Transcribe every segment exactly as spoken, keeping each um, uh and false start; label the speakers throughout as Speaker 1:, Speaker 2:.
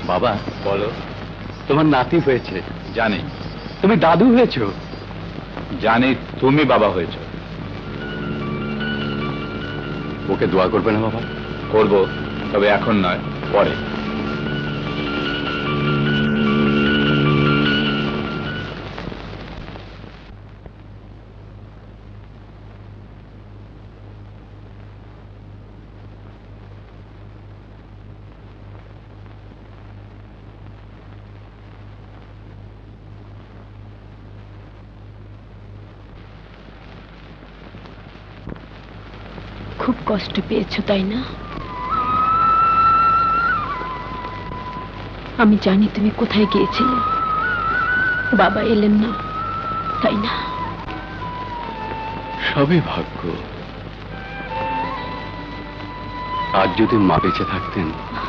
Speaker 1: বাবা বলো, তোমার নাতি হয়েছে জানি। তুমি দাদু হয়েছো জানি। তুমি বাবা হয়েছো। ওকে দোয়া করবে না বাবা? করব, তবে এখন নয়, পরে।
Speaker 2: খুব কষ্ট পেয়েছো তাই না? আমি জানি তুমি কোথায় গিয়েছিলে। বাবা এলেন না, তাই না?
Speaker 1: সবই ভাগ্য। আজ যদি মা বেঁচে থাকতেন।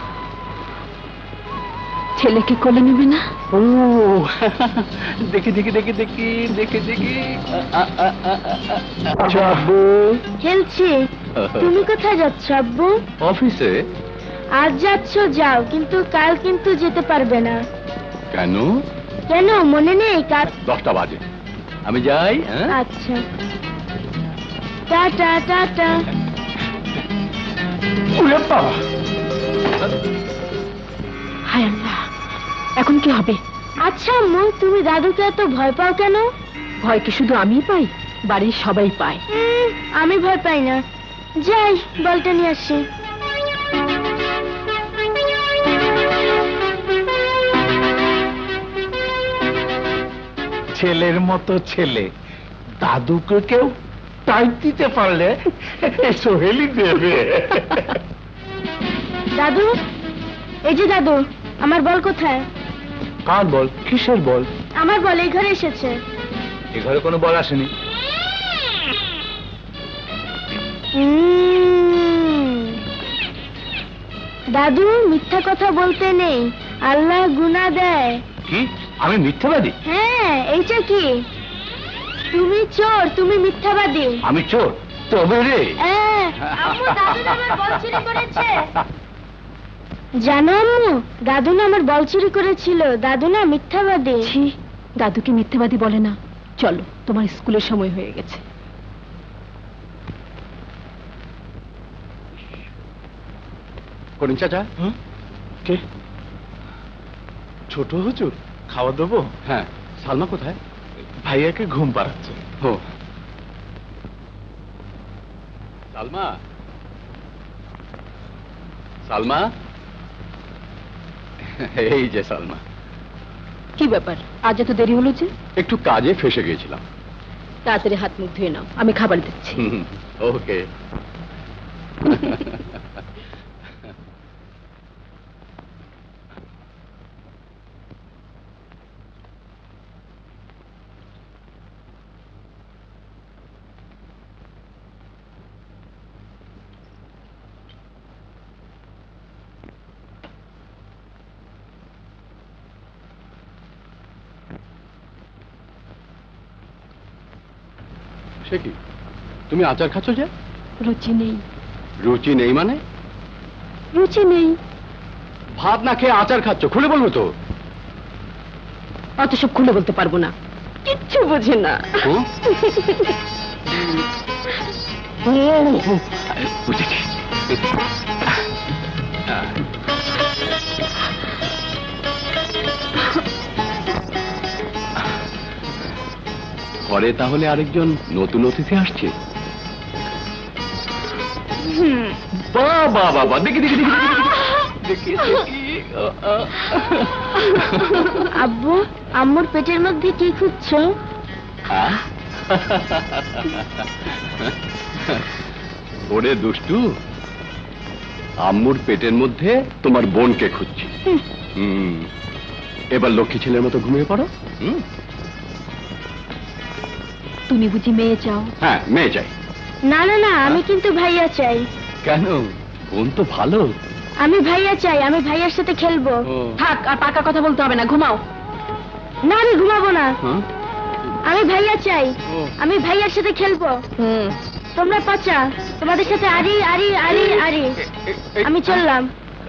Speaker 2: ছেলেকে কোলে নেবে না?
Speaker 1: ও দেখি দেখি দেখি দেখি দেখি দেখি। আব্বু
Speaker 3: খেলছি। তুমি কোথায় যাচ্ছ আব্বু?
Speaker 1: অফিসে।
Speaker 3: আজ যাচ্ছ যাও, কিন্তু কাল কিন্তু যেতে পারবে না।
Speaker 1: কেন?
Speaker 3: কেন মনে নেই? কাল
Speaker 1: দশটা বাজে। আমি যাই।
Speaker 3: আচ্ছা, টাটা টাটা।
Speaker 2: হায় আল্লাহ, এখন কি হবে?
Speaker 3: আচ্ছা আম্মু, তুমি দাদুকে এত ভয় পাও কেন?
Speaker 2: ভয় কি শুধু আমিই পাই? বাড়ির সবাই পায়।
Speaker 3: উম, আমি ভয় পাই না। যাই, বলটা নিয়ে আসি।
Speaker 4: ছেলের মতো ছেলে, দাদুকে কেউ টাইট দিতে পারলে সোহেলি দেবে।
Speaker 3: দাদু, এই যে দাদু, আমার বল কোথায়?
Speaker 4: কার বল? কিসের বল?
Speaker 3: আমার বল এই ঘরে এসেছে।
Speaker 1: এ ঘরে কোনো বল আসেনি।
Speaker 3: উম, দাদু, মিথ্যা কথা বলতে নেই, আল্লাহ গুনাহ দেয়।
Speaker 1: কি? আমি মিথ্যাবাদী?
Speaker 3: হ্যাঁ, এইটা কি? তুমি চোর, তুমি মিথ্যাবাদী।
Speaker 1: আমি চোর? তবে রে।
Speaker 3: হ্যাঁ, আম্মু, দাদু না আমার বল চুরি করেছে। জানো আম্মু, দাদু না আমার বল চুরি করেছিল। দাদু না মিথ্যাবাদী।
Speaker 2: ছি, দাদুকে মিথ্যাবাদী বলে না। চলো, তোমার স্কুলের সময় হয়ে গেছে।
Speaker 1: করিম চাচা।
Speaker 4: কে? ছোট হুজুর, খাওয়া দেবো?
Speaker 1: হ্যাঁ। সালমা কোথায়?
Speaker 4: ভাইয়াকে ঘুম পাড়াচ্ছে।
Speaker 1: ও সালমা, সালমা, এই যে সালমা।
Speaker 2: কি ব্যাপার, আজ এত দেরি হলো যে?
Speaker 1: একটু কাজে ফেসে গিয়েছিলাম।
Speaker 2: তাড়াতাড়ি হাত মুখ ধুয়ে নাও, আমি খাবার দিচ্ছি।
Speaker 1: ওকে। সে কি, তুমি আচার খাচ্ছ যে?
Speaker 2: রুচি নেই।
Speaker 1: রুচি নেই মানে?
Speaker 2: রুচি নেই।
Speaker 1: ভাত না খেয়ে আচার খাচ্ছ, খুলে বলবো তো।
Speaker 2: অত সব খুলে বলতে পারবো না, কিচ্ছু বোঝে না।
Speaker 1: বুঝেছি। ঘরে তাহলে আরেকজন নতুন অতিথি আসছে। বাবা বাবা, দেখি দেখি দেখি দেখি দেখি।
Speaker 3: আব্বু, আম্মুর পেটের মধ্যে কি খুঁজছো?
Speaker 1: ওরে দুষ্টু, আম্মুর পেটের মধ্যে তোমার বোনকে খুঁজছি। হুম, এবার লক্ষ্মী ছেলের মতো ঘুমিয়ে পড়ো। হুম,
Speaker 2: তুমি বুঝি মেয়ে চাও?
Speaker 1: হ্যাঁ, মেয়ে চাই।
Speaker 3: না না না, আমি কিন্তু ভাইয়া চাই।
Speaker 1: কেন? বোন তো ভালো।
Speaker 3: আমি ভাইয়া চাই, আমি ভাইয়ার সাথে খেলবো।
Speaker 2: থাক, আর পাকা কথা বলতে হবে না, ঘুমাও।
Speaker 3: না, আমি ঘুমাবো না।
Speaker 1: হ্যাঁ?
Speaker 3: আমি ভাইয়া চাই, আমি ভাইয়ার সাথে খেলবো।
Speaker 2: হুম,
Speaker 3: তোমরা পাচা, তোমাদের সাথে আরি আরি আরি আরি। আমি চললাম।